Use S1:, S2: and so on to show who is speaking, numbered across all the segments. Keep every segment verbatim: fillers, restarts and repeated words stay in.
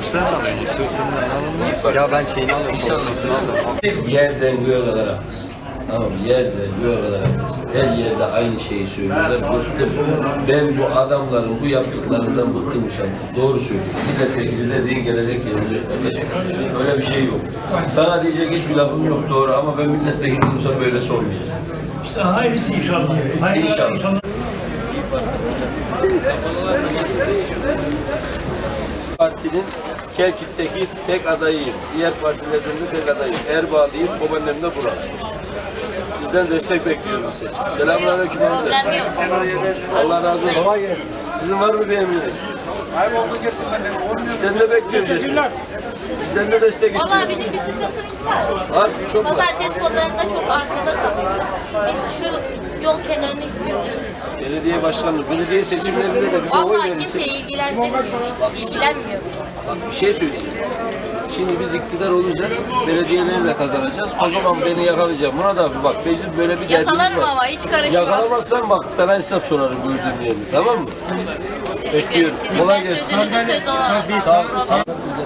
S1: Sen alıyorsun. Ya ben şeyini alıyorum.
S2: İnşallah. Yerden göğe kadar haklısın. Tamam, yerden göğe kadar haklısın. Her yerde aynı şeyi söylüyorlar. Bıktım. Ben bu adamların bu yaptıklarından bıktım usandım. Doğru söylüyorum. Milletvekili dediğin gelecek gelecek kardeşim. Öyle bir şey yok. Sana diyecek hiçbir lafım yok doğru ama ben milletvekili olursam böyle sormayacağım.
S3: İşte hayırlısı inşallah. Hayırlısı
S2: İnşallah.
S3: inşallah.
S2: Partinin Kelkit'teki tek adayıyım. Diğer partilerden de tek adayım. Erbağlıyım, babaannem de Burak. Sizden destek bekliyorum size. Selamünaleyküm abi.
S4: Problem yok.
S2: Allah razı olsun. Kolay gelsin. Sizin var mı bir emriniz?
S5: Kaybolduk ettim ben de.
S2: Sizden de bekliyoruz destek. Sizden de destek
S4: Valla
S2: istiyorum.
S4: bizim bir sıkıntımız var.
S2: Var, çok var.
S4: Pazartesi pazarında çok arkada kalıyoruz. Biz şu yol kenarını istiyoruz.
S2: Belediye başkanlığı, belediye seçimlerinde de bize oy
S4: Vallahi kimse
S2: verirsiniz.
S4: ilgilendirmiyor. İlgilenmiyor.
S2: Bak bir şey söyleyeyim. Şimdi biz iktidar olacağız, belediyeleri de kazanacağız. O zaman beni yakalayacağım. Murat abi bak, bizim böyle bir derdimiz
S4: Yakalarım
S2: var.
S4: ama hiç karışmam.
S2: Yakalamazsan bak sana hesap sorarım gördüğüm yerde, tamam mı?
S4: Teşekkür
S2: Bekliyorum.
S4: ederim.
S2: Kolay
S4: Sizden
S2: gelsin.
S4: sözünüzün sözü olan.
S2: Sağ olun. Sağ olun.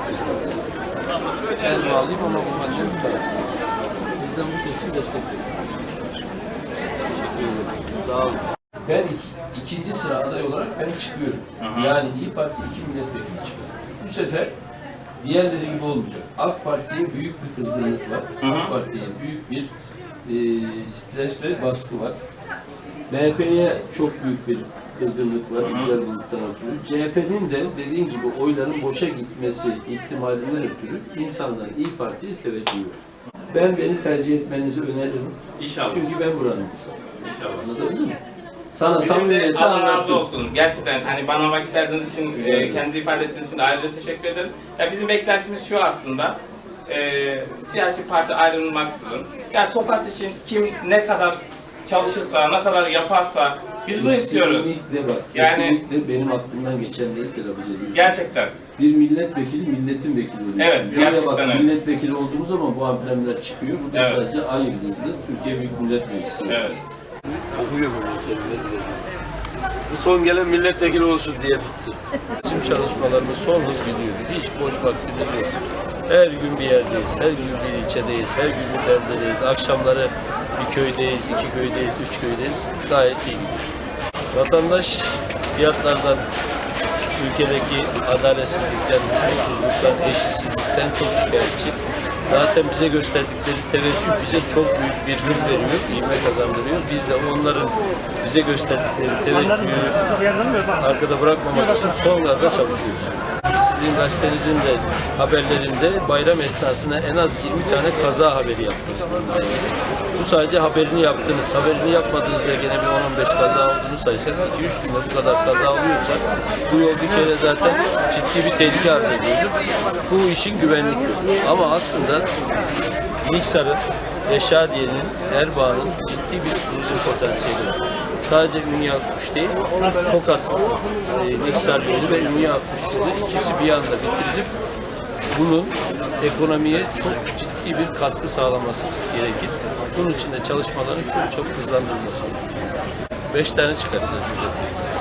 S2: El bağlayayım ama bu bence bir taraf. Sizden bu seçim destek veriyorum. Teşekkür ederim. Sağ olun. Ben ik- ikinci sıra aday olarak ben çıkıyorum. Yani İYİ Parti iki milletvekili çıkıyor. Bu sefer diğerleri gibi olmayacak. AK Parti'ye büyük bir kızgınlık var. AK Parti'ye büyük bir e, stres ve baskı var. M H P'ye çok büyük bir kızgınlık var, güzel buluttan ötürü. C H P'nin de dediğim gibi oyların boşa gitmesi ihtimalinden ötürü insanların İYİ Parti'ye teveccühü var. Ben beni tercih etmenizi öneririm.
S6: İnşallah.
S2: Çünkü ben buranın insanıyım.
S6: İnşallah.
S2: Anladın mı? Sana
S6: Bizim de
S2: samimiyetle
S6: Allah razı
S2: anlatıyorum.
S6: olsun. Gerçekten hani bana vakit ayırdığınız için, e, kendinizi ifade ettiğiniz için de ayrıca teşekkür ederim. Ya bizim beklentimiz şu aslında, e, siyasi parti ayrılmaksızın, yani Tokat için kim ne kadar çalışırsa, ne kadar yaparsa biz bunu istiyoruz.
S2: Kesinlikle bak,
S6: Yani-
S2: kesinlikle benim aklımdan geçen değildir Abuca'da.
S6: Gerçekten.
S2: Bir milletvekili milletin vekili oluyor.
S6: Evet,
S2: Buraya
S6: gerçekten
S2: bak,
S6: öyle.
S2: milletvekili olduğumuz zaman bu amblemler çıkıyor. Bu da
S6: Evet.
S2: sadece aynı yıldızlı Türkiye Büyük Millet Meclisi.
S6: Evet.
S2: Okuyor bu meseleleri. Bu son gelen milletvekili olsun diye tuttu. Bizim çalışmalarımız son hız gidiyor. Hiç boş vaktimiz yok. Her gün bir yerdeyiz, her gün bir ilçedeyiz, her gün bir yerdeyiz. Akşamları bir köydeyiz, iki köydeyiz, üç köydeyiz. Gayet iyi gidiyor. Vatandaş fiyatlardan, ülkedeki adaletsizlikten, hukuksuzluktan, eşitsizlikten çok şikayetçi. Zaten bize gösterdikleri teveccüh bize çok büyük bir hız veriyor, ivme kazandırıyor. Biz de onların bize gösterdikleri teveccühü arkada bırakmamak için son gazla çalışıyoruz. Sizin gazetenizin de haberlerinde bayram esnasında en az yirmi tane kaza haberi yaptınız. Bu sadece haberini yaptınız. Haberini yapmadığınızda gene bir on on beş kaza olduğunu saysak, iki üç günde bu kadar kaza oluyorsa bu yol bir kere zaten ciddi bir tehlike arz ediyordu. Bu işin güvenlik yolu. Ama aslında Niksar'ın, Reşadiye'nin, Erbağ'ın ciddi bir turizm potansiyeli var. Sadece Ünye Akkuş değil, Tokat, e, Niksar yolu ve Ünye Akkuş yolu ikisi bir anda bitirilip bunun ekonomiye çok ciddi bir katkı sağlaması gerekir. Bunun için de çalışmaların çok çabuk hızlandırılması gerekir. Beş tane çıkaracağız.